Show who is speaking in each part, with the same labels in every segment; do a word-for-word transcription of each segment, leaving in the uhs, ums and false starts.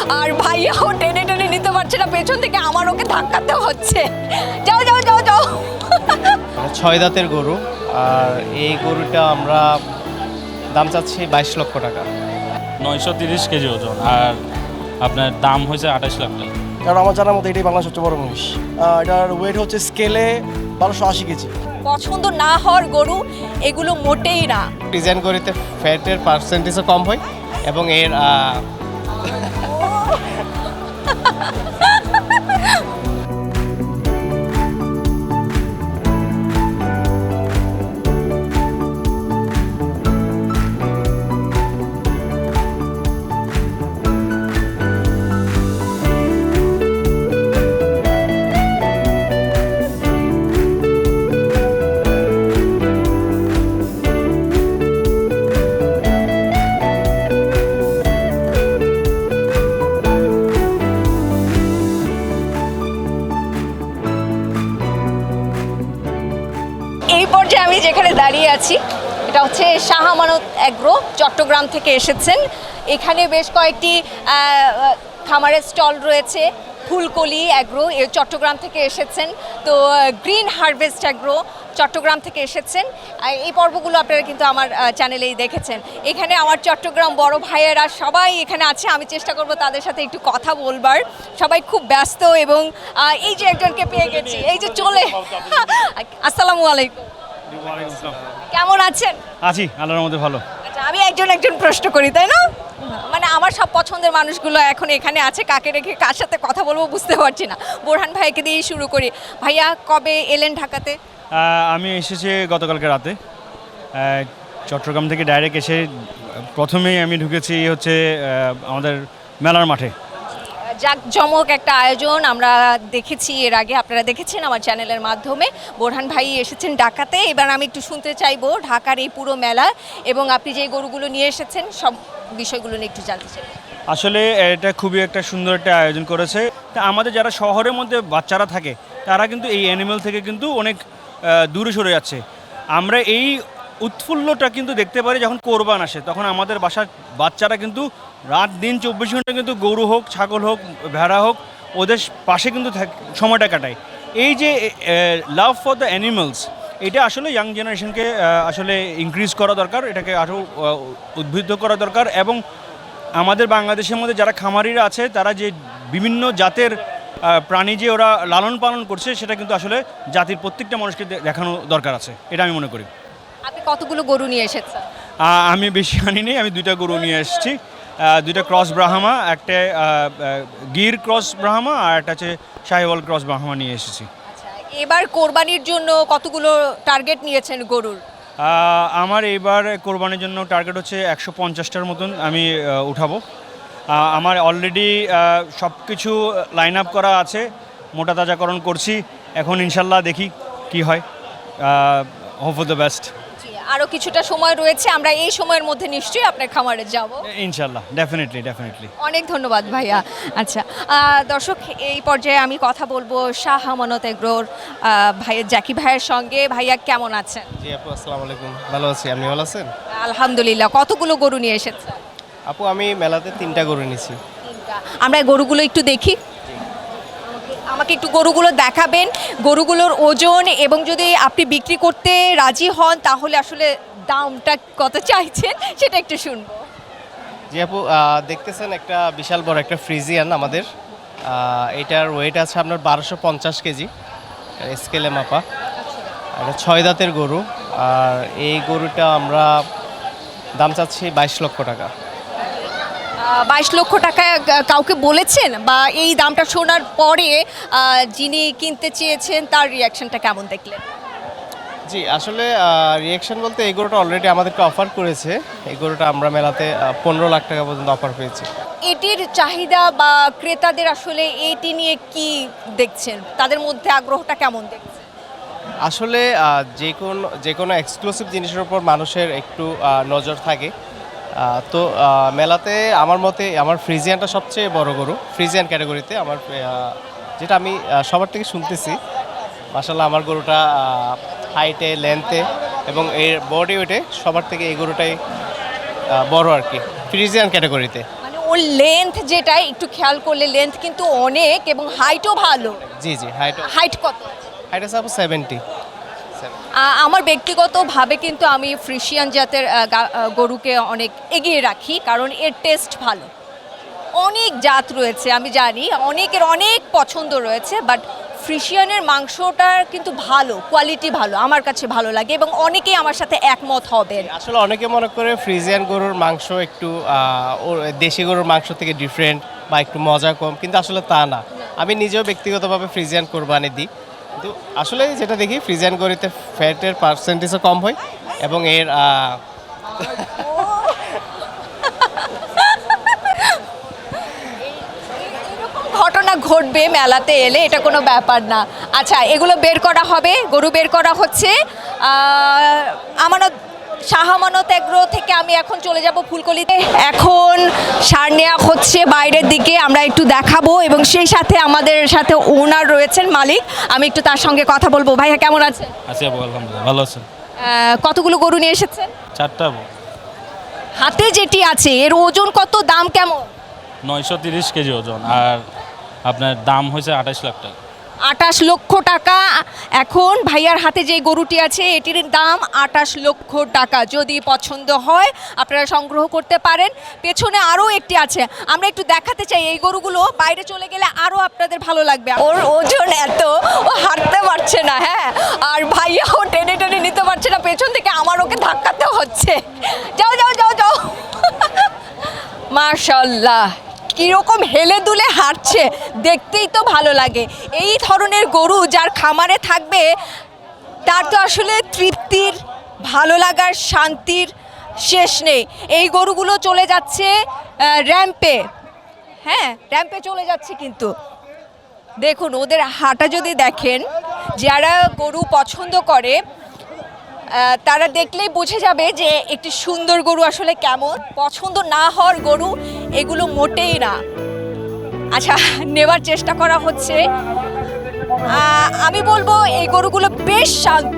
Speaker 1: আর ভাইয়াও টেনে টেনে নিতে পারছে না, পেছন থেকে আমার ওকে ধাক্কাতে হচ্ছে। যাও যাও যাও যাও।
Speaker 2: ছয় দাঁতের গরু, আর এই গরুটা আমরা দাম চাচ্ছি বাইশ লক্ষ টাকা।
Speaker 3: নয়শো তিরিশ কেজি ওজন, আর আপনার দাম হয়েছে আঠাশ লাখ টাকা।
Speaker 4: কারণ আমার জানার মতো এটাই বাংলাদেশের সবচেয়ে বড় মহিষ। আহ, এটার ওয়েট হচ্ছে স্কেলে বারোশো আশি কেজি।
Speaker 1: পছন্দ না হওয়ার গরু এগুলো মোটেই না।
Speaker 2: ডিজাইন গরুতে ফ্যাটের পার্সেন্টেজও কম হয় এবং এর আহ,
Speaker 1: এই পর্যায়ে আমি যেখানে দাঁড়িয়ে আছি এটা হচ্ছে শাহ আমানত এগ্রো, চট্টগ্রাম থেকে এসেছেন। এখানে বেশ কয়েকটি আহ, খামারের স্টল রয়েছে। ফুলকলি এগ্রো এ চট্টগ্রাম থেকে এসেছেন, তো গ্রিন হারভেস্ট এগ্রো চট্টগ্রাম থেকে এসেছেন। আহ, এই পর্বগুলো আপনারা কিন্তু আমার আহ, চ্যানেলেই দেখেছেন। এখানে আমার চট্টগ্রাম বড় ভাইয়েরা সবাই এখানে আছে, আমি চেষ্টা করব তাদের সাথে একটু কথা বলবার। সবাই খুব ব্যস্ত এবং আহ, এই যে একজনকে পেয়ে গেছি, এই যে চলে। আসসালামু আলাইকুম, কেমন আছেন?
Speaker 3: আছি আল্লাহর মধ্যে ভালো।
Speaker 1: আচ্ছা, আমি একজন একজন প্রশ্ন করি, তাই না? মানে আমার সব পছন্দের মানুষগুলো এখন এখানে আছে, কাকে রেখে কার সাথে কথা বলবো বুঝতে পারছি না। বোরহান ভাইকে দিয়েই শুরু করি। ভাইয়া কবে এলেন ঢাকাতে?
Speaker 3: আমি এসেছি গতকালকে রাতে, আহ, চট্টগ্রাম থেকে ডাইরেক্ট এসে প্রথমেই আমি ঢুকেছি হচ্ছে আহ, আমাদের মেলার মাঠে।
Speaker 1: জাঁকজমক একটা আয়োজন আমরা দেখেছি এর আগে, আপনারা দেখেছেন আমার চ্যানেলের মাধ্যমে। বোরহান ভাই এসেছেন ঢাকাতে। এবার আমি একটু শুনতে চাইবো ঢাকার এই পুরো মেলা এবং আপনি যে গরুগুলো নিয়ে এসেছেন সব বিষয়গুলো নিয়ে একটু জানতে চাই।
Speaker 3: আসলে এটা খুবই একটা সুন্দর একটা আয়োজন করেছে। তা আমাদের যারা শহরের মধ্যে বাচ্চারা থাকে তারা কিন্তু এই অ্যানিমেল থেকে কিন্তু অনেক আহ, দূরে সরে যাচ্ছে। আমরা এই উৎফুল্লটা কিন্তু দেখতে পারি যখন কোরবান আসে, তখন আমাদের বাসার বাচ্চারা কিন্তু রাত দিন চব্বিশ ঘন্টা কিন্তু গরু হোক, ছাগল হোক, ভেড়া হোক, ওদের পাশে কিন্তু থাক- সময়টা কাটায়। এই যে লাভ ফর দ্য অ্যানিমালস, এটা আসলে ইয়াং জেনারেশনকে আসলে ইনক্রিজ করা দরকার, এটাকে আরও উদ্বুদ্ধ করা দরকার। এবং আমাদের বাংলাদেশের মধ্যে যারা খামারিরা আছে তারা যে বিভিন্ন জাতের আহ, প্রাণী যে ওরা লালন পালন করছে, সেটা কিন্তু আসলে জাতির প্রত্যেকটা মানুষকে দে- দেখানো দরকার আছে, এটা আমি মনে করি।
Speaker 1: আপনি কতগুলো গরু নিয়ে এসেছেন?
Speaker 3: আহ, আমি বেশি আনি নেই, আমি দুইটা গরু নিয়ে এসেছি। আহ, দুইটা ক্রস ব্রাহ্মা, একটা আহ, আহ, গির ক্রস ব্রাহ্মা, আর একটা হচ্ছে শাহিওয়াল ক্রস ব্রাহ্মা নিয়ে এসেছি।
Speaker 1: আচ্ছা, এবার কোরবানির জন্য কতগুলো টার্গেট নিয়েছেন গরুর?
Speaker 3: আহ, আমার এইবার কোরবানির জন্য টার্গেট হচ্ছে একশো পঞ্চাশটার মতন আমি আহ, উঠাবো। আহ, আমার অলরেডি সব কিছু লাইন আপ করা আছে, মোটা তাজাকরণ করছি। এখন ইনশাল্লাহ দেখি কি হয়, হোপ ফর দ্য বেস্ট।
Speaker 1: জি, আরও কিছুটা সময় রয়েছে, আমরা এই সময়ের মধ্যে নিশ্চয়ই আপনার খামারে যাব।
Speaker 3: ইনশাল্লাহ, ডেফিনেটলি ডেফিনেটলি।
Speaker 1: অনেক ধন্যবাদ ভাইয়া। আচ্ছা, আহ, দর্শক এই পর্যায়ে আমি কথা বলবো শাহ আমানত এগ্রোর আহ, ভাইয়ের জাকি ভাইয়ের সঙ্গে। ভাইয়া কেমন আছেন?
Speaker 2: জি আপু, আসসালামু আলাইকুম। ভালো আছি, আপনি ভালো আছেন?
Speaker 1: আলহামদুলিল্লাহ। কতগুলো গরু নিয়ে এসেছেন?
Speaker 2: আপু আমি মেলাতে তিনটা গরু নিয়েছি।
Speaker 1: তিনটা। আমরা এই গরুগুলো একটু দেখি। আমাকে একটু গরুগুলো দেখাবেন, গরুগুলোর ওজন, এবং যদি আপনি বিক্রি করতে রাজি হন তাহলে আসলে দামটা কত চাইছেন সেটা একটু শুনবো।
Speaker 2: জি আপু, আহ, দেখতেছেন একটা বিশাল বড় একটা ফ্রিজিয়ান আমাদের। আহ, এটার ওয়েট আছে আপনার বারোশো পঞ্চাশ কেজি, স্কেলে মাপা। এটা ছয় দাঁতের গরু, আর এই গরুটা আমরা দাম চাচ্ছি বাইশ লক্ষ টাকা।
Speaker 1: বাইশ লক্ষ টাকা কাউকে বলেছেন, বা এই দামটা শোনার পরে আহ, যিনি কিনতে চেয়েছেন তার রিয়াকশনটা কেমন দেখলেন?
Speaker 2: জি আসলে রিয়াকশন বলতে এই গরুটা অলরেডি আমাদেরকে অফার করেছে। এই গরুটা আমরা মেলাতে পনেরো লাখ টাকা পর্যন্ত অফার পেয়েছি।
Speaker 1: এটির চাহিদা বা ক্রেতাদের আসলে এটি নিয়ে কি দেখছেন, তাদের মধ্যে আগ্রহটা কেমন দেখছেন?
Speaker 2: আসলে আহ, যে কোনো যে কোনো এক্সক্লুসিভ জিনিসের উপর মানুষের একটু আহ, নজর থাকে। আহ, তো আহ, মেলাতে আমার মতে আমার ফ্রিজিয়ানটা সবচেয়ে বড় গরু, ফ্রিজিয়ান ক্যাটাগরিতে আমার আহ, যেটা আমি আহ, সবার থেকে শুনতেছি। মাশাআল্লাহ আমার গরুটা হাইটে, লেন্থে এবং এর বডি ওয়েটে সবার থেকে এই গরুটাই আহ, বড় আর কি, ফ্রিজিয়ান ক্যাটাগরিতে।
Speaker 1: মানে ওর লেন্থ যেটা একটু খেয়াল করলে লেন্থ কিন্তু অনেক এবং হাইটও ভালো।
Speaker 2: জি জি হাইট
Speaker 1: হাইট কত?
Speaker 2: হাইট আছে আপু সেভেন্টি।
Speaker 1: আ- আমার ব্যক্তিগতভাবে কিন্তু আমি ফ্রিশিয়ান জাতের আহ, গা- আহ, গরুকে অনেক এগিয়ে রাখি, কারণ এর টেস্ট ভালো। অনেক জাত রয়েছে আমি জানি, অনেকের অনেক পছন্দ রয়েছে, বাট ফ্রিশিয়ানের মাংসটার কিন্তু ভালো, কোয়ালিটি ভালো, আমার কাছে ভালো লাগে এবং অনেকেই আমার সাথে একমত হবেন।
Speaker 2: আসলে অনেকে মনে করে ফ্রিজিয়ান গরুর মাংস একটু আহ, ওর দেশি গরুর মাংস থেকে ডিফারেন্ট বা একটু মজা কম, কিন্তু আসলে তা না। আমি নিজেও ব্যক্তিগতভাবে ফ্রিজিয়ান কোরবানি দিই, কিন্তু আসলে যেটা দেখি ফ্রিজিয়ান গরুতে ফ্যাটের পার্সেন্টেজও কম হয় এবং এর আহ,
Speaker 1: ঘটনা ঘটবে মেলাতে এলে, এটা কোনো ব্যাপার না। আচ্ছা, এগুলো বের করা হবে, গরু বের করা হচ্ছে। আহ, আমানত শাহ আমানত এগ্রো থেকে আমি এখন চলে যাব ফুলকলিতে। এখন সার নেওয়া হচ্ছে বাইরের দিকে, আমরা একটু দেখাবো এবং সেই সাথে আমাদের সাথে ওনার রয়েছেন, মালিক। আমি একটু তার সঙ্গে কথা বলবো। ভাইয়া কেমন আছেন?
Speaker 5: আছি আপু, আলহামদুলিল্লাহ ভালো আছেন।
Speaker 1: আহ, কতগুলো গরু নিয়ে এসেছেন?
Speaker 5: চারটা আপু,
Speaker 1: হাতে যেটি আছে এর ওজন কত, দাম কেমন?
Speaker 5: নয়শো তিরিশ কেজি ওজন, আর আপনার দাম হয়েছে আঠাশ লাখ টাকা।
Speaker 1: আটাশ লক্ষ টাকা। এখন ভাইয়ার হাতে যে গরুটি আছে এটির দাম আটাশ লক্ষ টাকা। যদি পছন্দ হয় আপনারা সংগ্রহ করতে পারেন। পেছনে আরও একটি আছে, আমরা একটু দেখাতে চাই। এই গরুগুলো বাইরে চলে গেলে আরও আপনাদের ভালো লাগবে। ওর ওজন এত, ও হাঁটতে পারছে না, হ্যাঁ, আর ভাইয়াও টেনে টেনে নিতে পারছে না, পেছন থেকে আমার ওকে ধাক্কাতে হচ্ছে। যাও যাও যাও যাও। মাশাল্লাহ, কীরকম হেলে দুলে হাঁটছে, দেখতেই তো ভালো লাগে। এই ধরনের গরু যার খামারে থাকবে তার তো আসলে তৃপ্তির, ভালো লাগার, শান্তির শেষ নেই। এই গরুগুলো চলে যাচ্ছে আহ, র্যাম্পে, হ্যাঁ র্যাম্পে চলে যাচ্ছে। কিন্তু দেখুন ওদের হাঁটা যদি দেখেন, যারা গরু পছন্দ করে আহ, তারা দেখলেই বুঝে যাবে যে একটি সুন্দর গরু আসলে কেমন। পছন্দ না হওয়ার গরু এগুলো মোটেই না। আচ্ছা, নেবার চেষ্টা করা হচ্ছে। আহ, আমি বলবো এই গরুগুলো বেশ শান্ত।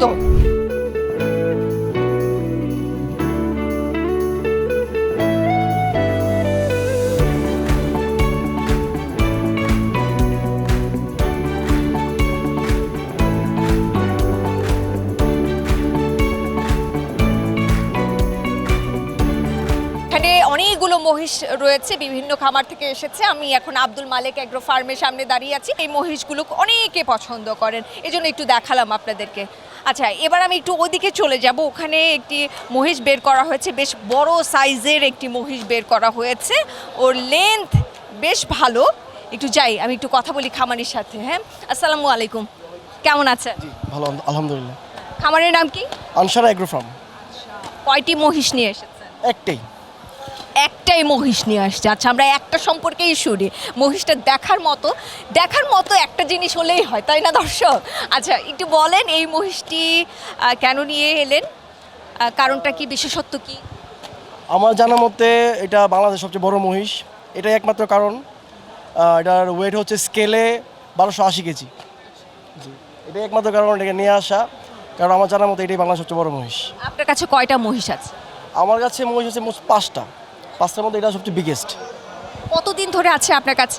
Speaker 1: এখানে অনেকগুলো মহিষ রয়েছে, বিভিন্ন খামার থেকে এসেছে। আমি এখন আব্দুল মালেক এগ্রো ফার্মের সামনে দাঁড়িয়ে আছি। এই মহিষগুলো অনেকে পছন্দ করেন, এই জন্য একটু দেখালাম আপনাদেরকে। আচ্ছা, এবার আমি একটু ওদিকে চলে যাব। ওখানে একটি মহিষ বের করা হয়েছে, বেশ বড় সাইজের একটি মহিষ বের করা হয়েছে। ওর লেন্থ বেশ ভালো। একটু যাই, আমি একটু কথা বলি খামারির সাথে। হ্যাঁ, আসসালামু আলাইকুম, কেমন আছেন?
Speaker 4: ভালো আলহামদুলিল্লাহ।
Speaker 1: খামারের নাম কি?
Speaker 4: Ansara agro farm.
Speaker 1: কয়টি মহিষ নিয়ে এসেছেন?
Speaker 4: একটাই।
Speaker 1: একটাই মহিষ নিয়ে আসছে। আচ্ছা, আমরা একটা সম্পর্কেই শুনি। মহিষটা দেখার মতো, দেখার মতো একটা জিনিস হলেই হয়, তাই না দর্শক? আচ্ছা, একটু বলেন এই মহিষটি আহ, কেন নিয়ে এলেন, আহ, কারণটা কি, বিশেষত্ব কি?
Speaker 4: আমার জানা মতে এটা বাংলাদেশের সবচেয়ে বড় মহিষ, এটাই একমাত্র কারণ। আহ, এটার ওয়েট হচ্ছে স্কেলে বারোশো আশি কেজি। জি, এটাই একমাত্র কারণ এটাকে নিয়ে আসা, কারণ আমার জানা মতে এটাই বাংলাদেশের সবচেয়ে বড় মহিষ।
Speaker 1: আপনার কাছে কয়টা মহিষ আছে?
Speaker 4: আমার কাছে মহিষ আছে মোট পাঁচটা, পাঁচটার মধ্যে এটা সবচেয়ে বিগেস্ট।
Speaker 1: কতদিন ধরে আছে আপনার কাছে?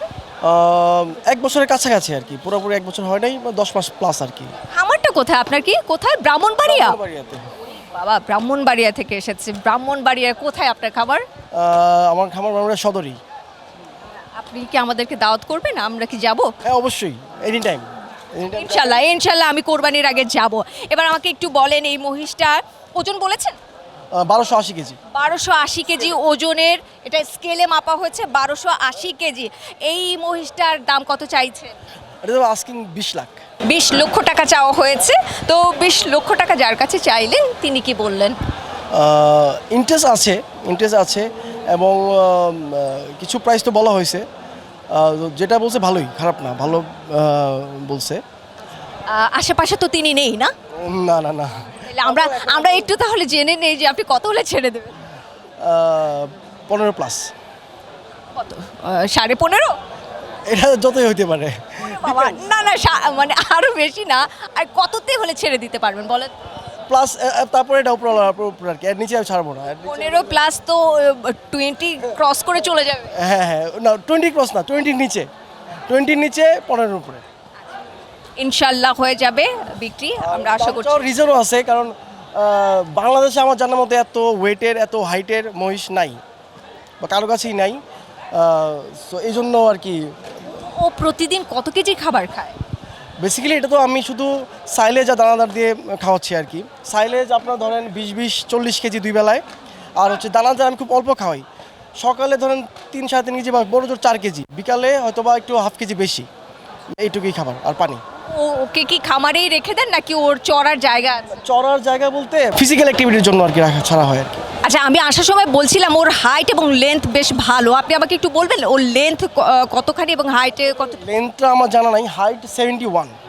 Speaker 4: এক বছরের কাছাকাছি আর কি, পুরোপুরি এক বছর হয় নাই, দশ মাস প্লাস আর কি।
Speaker 1: খামারটা কোথায় আপনার? কি কোথায়? ব্রাহ্মণবাড়িয়া?
Speaker 4: বাড়িয়াতে।
Speaker 1: বাবা, ব্রাহ্মণবাড়িয়া থেকে এসেছে। ব্রাহ্মণবাড়িয়া কোথায় আপনার খাবার?
Speaker 4: আমার খামার বাংলাদেশ সদরই।
Speaker 1: আপনি কি আমাদেরকে দাওয়াত করবেন? আমরা কি যাব?
Speaker 4: হ্যাঁ অবশ্যই, এনি টাইম।
Speaker 1: ইনশাল্লাহ ইনশাল্লাহ আমি কোরবানির আগে যাব। এবার আমাকে একটু বলেন এই মহিষটার ওজন বলেছেন?
Speaker 4: বারোশো আশি কেজি।
Speaker 1: বারোশো আশি কেজি ওজনের, এটা স্কেলে মাপা হয়েছে বারোশো আশি কেজি। এই মহিষটার দাম কত চাইছে?
Speaker 4: এটা তো আস্কিং বিশ লাখ।
Speaker 1: বিশ লক্ষ টাকা চাওয়া হয়েছে। তো বিশ লক্ষ টাকা যার কাছে চাইলেন তিনি কি বললেন?
Speaker 4: ইন্টারেস্ট আছে, ইন্টারেস্ট আছে এবং আহ, কিছু প্রাইস তো বলা হয়েছে। আহ, যেটা বলছে ভালোই, খারাপ না, ভালো আহ, বলছে।
Speaker 1: আহ, আশেপাশে তো তিনি নেই না?
Speaker 4: না না না।
Speaker 1: তাহলে আমরা আমরা একটু তাহলে জেনে নেই যে আপনি কত হলে ছেড়ে দেবেন।
Speaker 4: আহ, পনেরো প্লাস।
Speaker 1: কত? আহ, সাড়ে পনেরো?
Speaker 4: এটা যতই হইতে পারে।
Speaker 1: বাবা, না না, সা- মানে আরো বেশি না। আর কততে হলে ছেড়ে দিতে পারবেন বলেন?
Speaker 4: প্লাস তারপরে এটা উপর উপর আর কি, এর নিচে আমি ছাড়বো না। এর নিচে-
Speaker 1: পনেরো প্লাস তো টোয়েন্টি ক্রস করে চলে যাবে।
Speaker 4: হ্যাঁ হ্যাঁ না, টোয়েন্টি ক্রস না, টোয়েন্টির নিচে, টোয়েন্টির নিচে পনেরোর উপরে।
Speaker 1: ইনশাল্লাহ হয়ে যাবে বিক্রি, আমরা আশা করছি।
Speaker 4: রিজনও আছে, কারণ আহ, বাংলাদেশে আমার জানার মতো এত ওয়েটের এত হাইটের মহিষ নাই, বা কারো কাছেই নাই। সো এই জন্য আর কি
Speaker 1: ও প্রতিদিন কত কেজি খাবার খায়?
Speaker 4: বেসিক্যালি এটা তো আমি শুধু সাইলেজ আর দানাদার দিয়ে খাওয়াচ্ছি আর কি। সাইলেজ আপনার ধরেন বিশ বিশ চল্লিশ কেজি দুই বেলায়, আর হচ্ছে দানাদার আমি খুব অল্প খাওয়াই। সকালে ধরেন তিন সাড়ে তিন কেজি বা বড় জোর চার কেজি, বিকালে হয়তো বা একটু হাফ কেজি বেশি, এইটুকুই খাবার আর পানি।
Speaker 1: ও ওকে কি খামারেই রেখে দেন নাকি ওর চড়ার জায়গা আছে?
Speaker 4: চড়ার জায়গা বলতে ফিজিক্যাল অ্যাক্টিভিটির জন্য আর কি রাখা ছাড়া হয় আর কি।
Speaker 1: আচ্ছা, আমি আসার সময় বলছিলাম ওর হাইট এবং লেন্থ বেশ ভালো, আপনি আমাকে একটু বলবেন ওর লেন্থ কতখানি এবং হাইটে কত?
Speaker 4: লেন্থটা আমার জানা নাই, হাইট সেভেন্টি ওয়ান।